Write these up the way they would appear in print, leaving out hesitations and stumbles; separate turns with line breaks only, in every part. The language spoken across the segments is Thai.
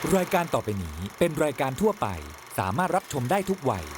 รายการต่อไปนี้เป็นรายการทั่วไปสามารถรับชมได้ทุกวัย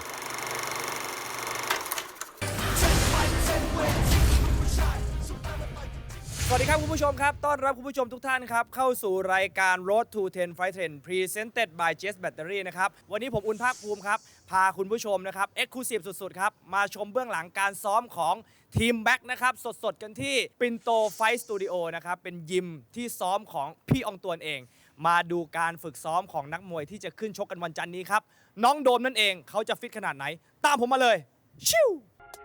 สวัสดีครับคุณผู้ชมครับต้อนรับคุณผู้ชมทุกท่านครับเข้าสู่รายการ Road to 10 Fight 10 Presented by Jazz Battery นะครับวันนี้ผมอุ่นภาคภูมิครับพาคุณผู้ชมนะครับ Exclusive สุดๆครับมาชมเบื้องหลังการซ้อมของทีมแบ็คนะครับสดๆกันที่ปินโตไฟท์สตูดิโอนะครับเป็นยิมที่ซ้อมของพี่อองตวนเองมาดูการฝึกซ้อมของนักมวยที่จะขึ้นชกกันวันจันทร์นี้ครับน้องโดมนั่นเองเขาจะฟิตขนาดไหนตามผมมาเลยชิว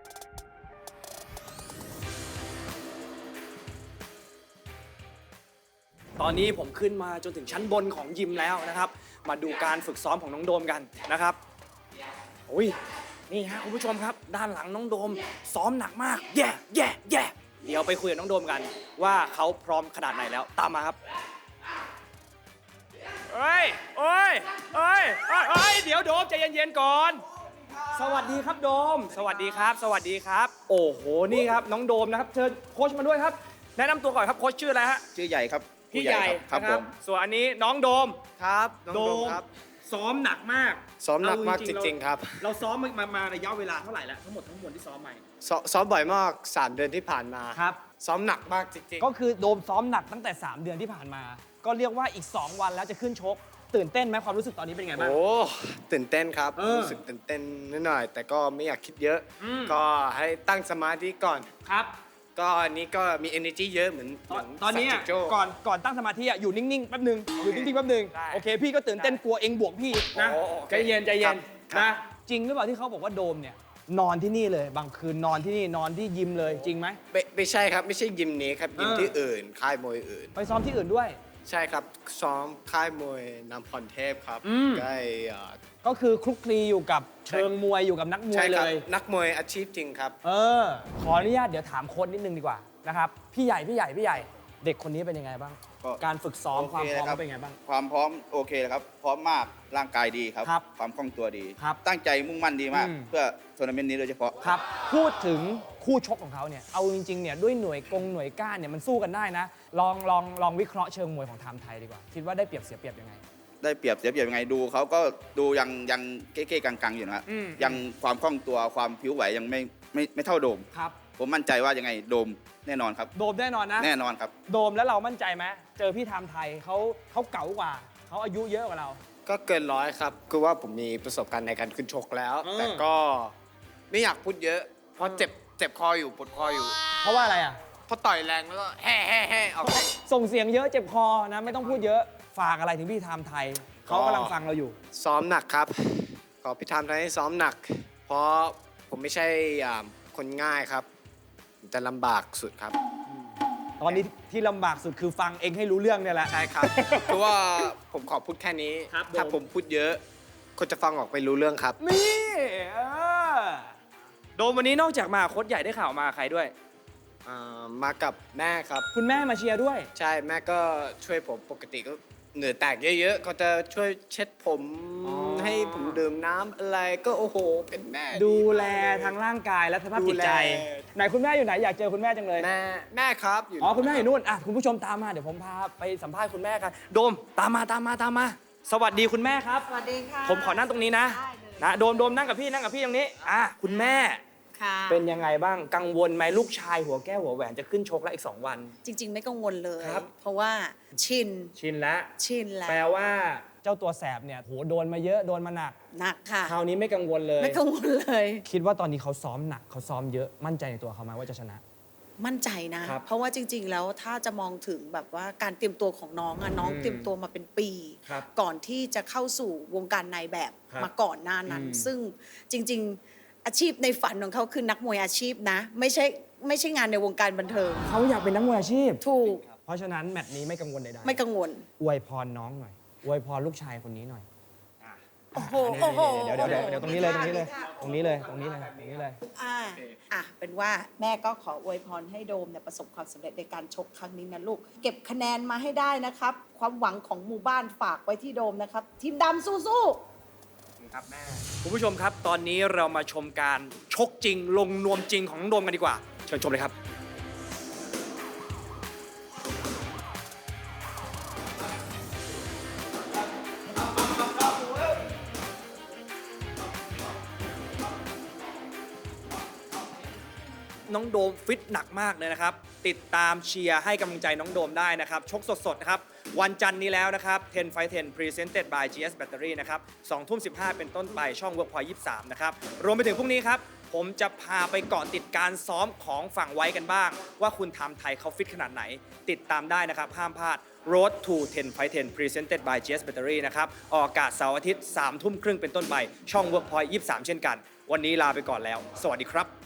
ตอนนี้ผมขึ้นมาจนถึงชั้นบนของยิมแล้วนะครับมาดูการฝึกซ้อมของน้องโดมกันนะครับอุ้ยนี่ฮะคุณผู้ชมครับด้านหลังน้องโดมซ้อมหนักมากแย่เดี๋ยวไปคุยกับน้องโดมกันว่าเขาพร้อมขนาดไหนแล้วตามมาครับเอ้ยเดี๋ยวโดมใจเย็นๆก่อนสวัสดีครับโดมสวัสดีครับโอ้โหนี่ครับน้องโดมนะครับเชิญโค้ชมาด้วยครับแนะนำตัวก่อนครับโค้ชชื่ออะไรฮะ
ชื่อใหญ่ครับ
พี่ใหญ่
ครับ
นะ
ผม
ส่วนอันนี้น้องโดม
ครับน้องโดมครับ
ซ้อมหนักมาก
ซ้อมหนักมาก
เอ
จริงๆครับ
เราซ้อมมาระยะเวลาเท่าไหร่แล้วทั้งหมดที่ซ้อมมา
ซ้อมบ่อยมาก 3 เดือนที่ผ่านมา
ครับ
ซ้อมหนักมากจริง
ก็คือโดมซ้อมหนักตั้งแต่ 3 เดือนที่ผ่านมา ก็เรียกว่าอีก 2 วันแล้วจะขึ้นชก ตื่นเต้นไหมความรู้สึกตอนนี้เป็นไง
ๆ
บ้าง
โอ้ตื่นเต้นครับ
เออ
รู้สึกตื่นเต้นนิดหน่อย แต่ก็ไม่อยากคิดเยอะ
อืม
ก็ให้ตั้งสมาธิก่อน
ครับ
ก็อันนี้ก็มี energy เยอะเหมือน
ตอนนี้
สักจิโจ้
ก่อนตั้งสมาธิอยู่นิ่งๆแป๊บนึงอยู่นิ่งๆแป๊บนึง
ได้
โอเคพี่ก็ตื่นเต้นกลัวเองบวกพี่นะ
โอ้โอเค
ใจเย็น
ครับ
นะจริงหรือเปล่าที่เขาบอกว่าโดมเนี่ยนอนที่นี่เลยบางคืนนอนที่นี่นอนที่ยิมเลยจริงไหม
ไม่ใช่ครับ ไม่ใช่ยิมนี้ครับ ยิม
เออ
ที่อื่น ค่ายมวยอื่น
ไปซ้อมที่อื่นด้วย
ใช่ครับ ซ้อมค่ายมวยนำพรเทพครับ
อืม
ใกล้
ก็คือคลุกคลีอยู่กับเชิงมวยอยู่กับนักมว
ใช่
ยเล
ครับ
ย
นักมวยอาชีพจริงครับ
ขออนุญาตเดี๋ยวถามโค้ชนิดนึงดีกว่านะครับพี่ใหญ่เด็กคนนี้เป็นยังไงบ้าง
ก็
การฝึกซ้อม
โอ
ความ
เค
พร้อม
นะครับ
เขาเป็นยังไงบ้าง
ความพร้อมโอเคเลยครับ พร้อมมากร่างกายดีครับ
ครับ
ความคล่องตัวดี
ครับ
ตั้งใจมุ่งมั่นดีมาก
อืม
เพื่อทัวร์นาเมนต์นี้โดยเฉพาะ
ครับพูดถึงคู่ชกของเขาเนี่ยเอาจริงๆเนี่ยด้วยหน่วยก้านเนี่ยมันสู้กันได้นะลองวิเคราะห์เชิงมวยของไทม์ไทยดีกว่าคิดว่าได้เปรียบเสียเปรียบยังไง
ได้เปรียบเสียเปรียบยังไงดูเขาก็ดูยังเก้ๆกังๆอยู่นะ
อืม
ยังความคล่องตัวความผิวไหวยังไม่เท่าโดม
ครับ
ผมมั่นใจว่ายังไงโดมแน่นอนครับ
โดมแน่นอนนะ
แน่นอนครับ
โดมแล้วเรามั่นใจไหมเจอพี่ไทม์ไทยเขาเก๋ากว่าเขาอายุเยอะกว่าเรา
ก็เกินร้อยครับ คือว่าผมมีประสบการณ์ในการขึ้นชกแล้ว
เออ
แต่ก็ไม่อยากพูดเยอะ เพราะเจ็บคออยู่ปวดคออยู่
เพราะว่าอะไรอ่ะ
เพราะต่อยแรงแล้วก็แฮ่ออกไป
ส่งเสียงเยอะเจ็บคอนะไม่ต้องพูดเยอะฝากอะไรถึงพี่ไทม์ไทยเขากำลังฟังเราอยู่
ซ้อมหนักครับ ขอพี่ทามทำให้ซ้อมหนัก เพราะผมไม่ใช่คนง่ายครับผมจะลำบากสุดครับ
ตอนนี้ที่ลำบากสุดคือฟังเองให้รู้เรื่องเนี่ยแหละ
ใช่ครับ เพราะว่าผมขอพูดแค่นี้
ครับ
ถ้า
ผม
ผมพูดเยอะ คนจะฟังออกไม่รู้เรื่องครับ
นี่โดมวันนี้นอกจากมาโค้ชใหญ่ได้ข่าวมาใครด้วย
มากับแม่ครับ
คุณแม่มาเชียร์ด้วย
ใช่แม่ก็ช่วยผมปกติก็เหงื่อแตกเยอะๆเขาจะช่วยเช็ดผม
อ๋อ
ให้ผมดื่มน้ำอะไรก็โอ้โหเป็นแม่
ดูแล
มากเย
ทั้งร่างกายและสภาพจิตใจ
ดูแล
ไหนคุณแม่อยู่ไหนอยากเจอคุณแม่จังเลย
แม่ครับอยู่
อ๋อคุณแม่อยู่นู่นอ่ะคุณผู้ชมตามมาเดี๋ยวผมพาไปสัมภาษณ์คุณแม่กันโดมตามมาสวัสดีคุณแม่ครับ
สวัสดีค่ะ
ผมขอนั่งตรงนี้นะ
ได้เลย
นะโดมนั่งกับพี่ตรงนี้คุณแม่
ค่ะ
เป็นยังไงบ้างกังวลไหมลูกชายหัวแก้วหัวแหวนจะขึ้นชกแล้วอีก 2 วัน
จริง ๆ ไม่กังวลเลย
ครับ
เพราะว่าชิน
ชินแล้ว
แล้ว
แปลว่าเจ้าตัวแสบเนี่ยโหโดนมาเยอะโดนมาหนัก
หนักค่ะ
คราวนี้ไม่กังวลเลย
ไม่กังวลเลย
คิดว่าตอนนี้เขาซ้อมหนักเขาซ้อมเยอะมั่นใจในตัวเขาไหมว่าจะชนะ
มั่นใจนะ
ครับ
เพราะว่าจริง ๆ แล้วถ้าจะมองถึงแบบว่าการเตรียมตัวของน้องอะน้อง
อืม
เตรียมตัวมาเป็นปี
ครับ
ก่อนที่จะเข้าสู่วงการนายแบบ
ครับ
มาก่อนหน้านั้น
อืม
ซึ่งจริง ๆ อาชีพในฝันของเขาคือนักมวยอาชีพนะ ไม่ใช่งานในวงการบันเทิง
เขาอยากเป็นนักมวยอาชีพ
ถูก
เพราะฉะนั้นแมตช์นี้ไม่กังวลใดๆ
ไม่กังวล
อวยพรน้องหน่อยอวยพรลูกชายคนนี้หน่อย
โอ้โหโอ้โห
เดี๋ยวตรงนี้เลย
เป็นว่าแม่ก็ขออวยพรให้โดมเนี่ยประสบความสำเร็จในการชกครั้งนี้นะลูก เก็บคะแนนมาให้ได้นะครับ ความหวังของหมู่บ้านฝากไว้ที่โดมนะครับ ทีมดำสู้ๆ
ครับแม่คุณผู้ชมครับ ตอนนี้เรามาชมการชกจริงลงนวมจริงของน้องโดมกันดีกว่า เชิญชมเลยครับน้องโดมฟิตหนักมากเลยนะครับติดตามเชียร์ให้กำลังใจน้องโดมได้นะครับชกสดๆนะครับวันจันทร์นี้แล้วนะครับ10 Fight 10 Presented by GS Battery นะครับ20:15เป็นต้นไปช่อง Workpoint 23นะครับรวมไปถึงพรุ่งนี้ครับผมจะพาไปเกาะติดการซ้อมของฝั่งไว้กันบ้างว่าคุณทำไทยเขาฟิตขนาดไหนติดตามได้นะครับห้ามพลาด Road to 10 Fight 10 Presented by GS Battery นะครับออกอากาศเสาร์อาทิตย์ 3 ทุ่มครึ่งเป็นต้นไปช่อง Workpoint 23 เช่นกันวันนี้ลาไปก่อนแล้วสวัสดีครับ